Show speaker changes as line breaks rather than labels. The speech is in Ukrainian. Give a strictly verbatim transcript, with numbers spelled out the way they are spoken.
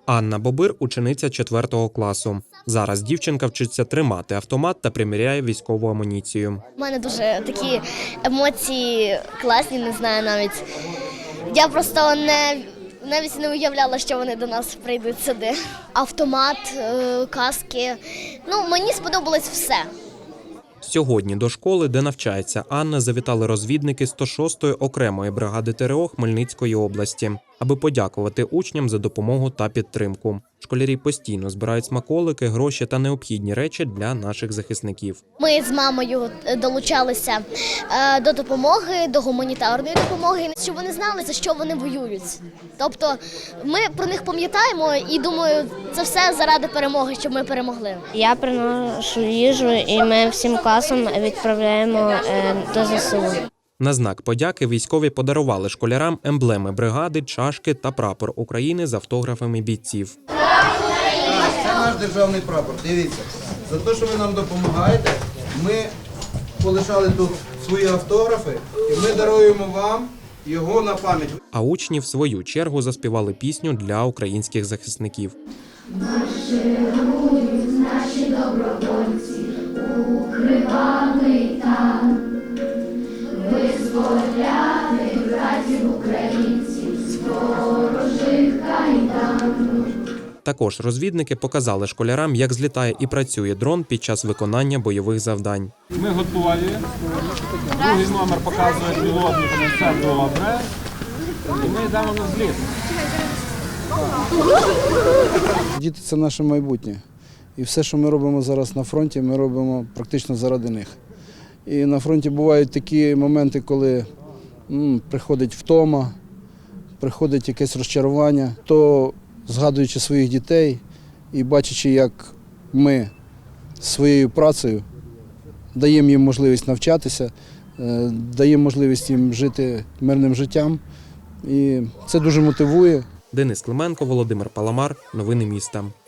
Анна Бобир – учениця четвертого класу. Зараз дівчинка вчиться тримати автомат та приміряє військову амуніцію.
У мене дуже такі емоції класні, не знаю навіть. Я просто не, навіть не уявляла, що вони до нас прийдуть сюди. Автомат, каски. Ну, мені сподобалось все.
Сьогодні до школи, де навчається Анна, завітали розвідники сто шостої окремої бригади ТРО Хмельницької області, аби подякувати учням за допомогу та підтримку. Школярі постійно збирають смаколики, гроші та необхідні речі для наших захисників.
Ми з мамою долучалися до допомоги, до гуманітарної допомоги, щоб вони знали, за що вони воюють. Тобто ми про них пам'ятаємо і, думаю, це все заради перемоги, щоб ми перемогли.
Я приношу їжу і ми всім класом відправляємо до ЗСУ.
На знак подяки військові подарували школярам емблеми бригади, чашки та прапор України з автографами бійців.
Це наш державний прапор. Дивіться, за те, що ви нам допомагаєте, ми полишали тут свої автографи і ми даруємо вам його на пам'ять.
А учні в свою чергу заспівали пісню для українських захисників.
Марширують наші добровольці у кривавий там, визволяти братів українців з ворожих кайдан.
Також розвідники показали школярам, як злітає і працює дрон під час виконання бойових завдань.
Ми готові. Другий номер показує пілотник, все добре. І ми йдемо на зліт.
Діти – це наше майбутнє. І все, що ми робимо зараз на фронті, ми робимо практично заради них. І на фронті бувають такі моменти, коли м, приходить втома, приходить якесь розчарування, то згадуючи своїх дітей і бачачи, як ми своєю працею даємо їм можливість навчатися, даємо можливість їм жити мирним життям. І це дуже мотивує.
Денис Клименко, Володимир Паламар. Новини міста.